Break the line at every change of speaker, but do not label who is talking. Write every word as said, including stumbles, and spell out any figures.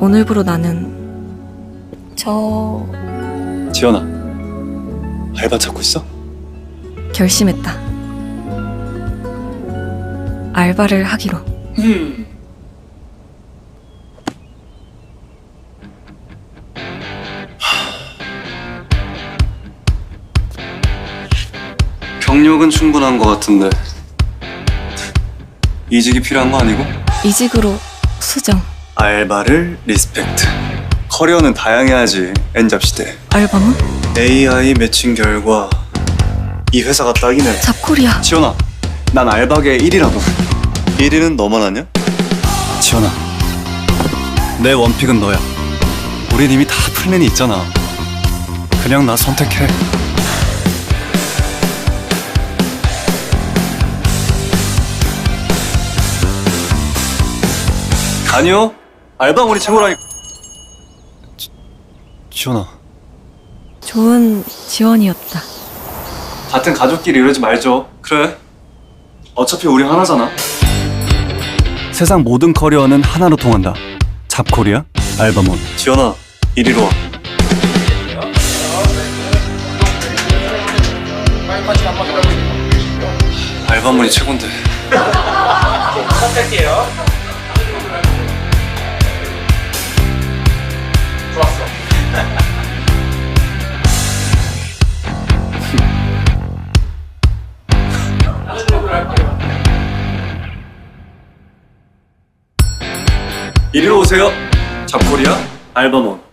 오늘부로 나는 저...
지연아, 알바 찾고 있어?
결심했다. 알바를 하기로.
음. 경력은 충분한 것 같은데 이직이 필요한 거 아니고?
이직으로 수정.
알바를 리스펙트. 커리어는 다양해야지. 엔잡시대.
알바몬?
에이아이 매칭 결과 이 회사가 딱이네.
잡코리아.
지연아, 난 알바계 일 위라고. 일 위는 너만 아냐? 지연아, 내 원픽은 너야. 우린 이미 다 플랜이 있잖아. 그냥 나 선택해. 아니요, 알바몬이 최고라니. 지, 지연아,
좋은 지원이었다.
같은 가족끼리 이러지 말죠. 그래, 어차피 우리 하나잖아. 세상 모든 커리어는 하나로 통한다. 잡코리아, 알바몬. 지연아, 이리로 와. 알바몬이 최곤데.
부탁할게요. 좋았어.
이리로 오세요. 잡코리아, 알바몬.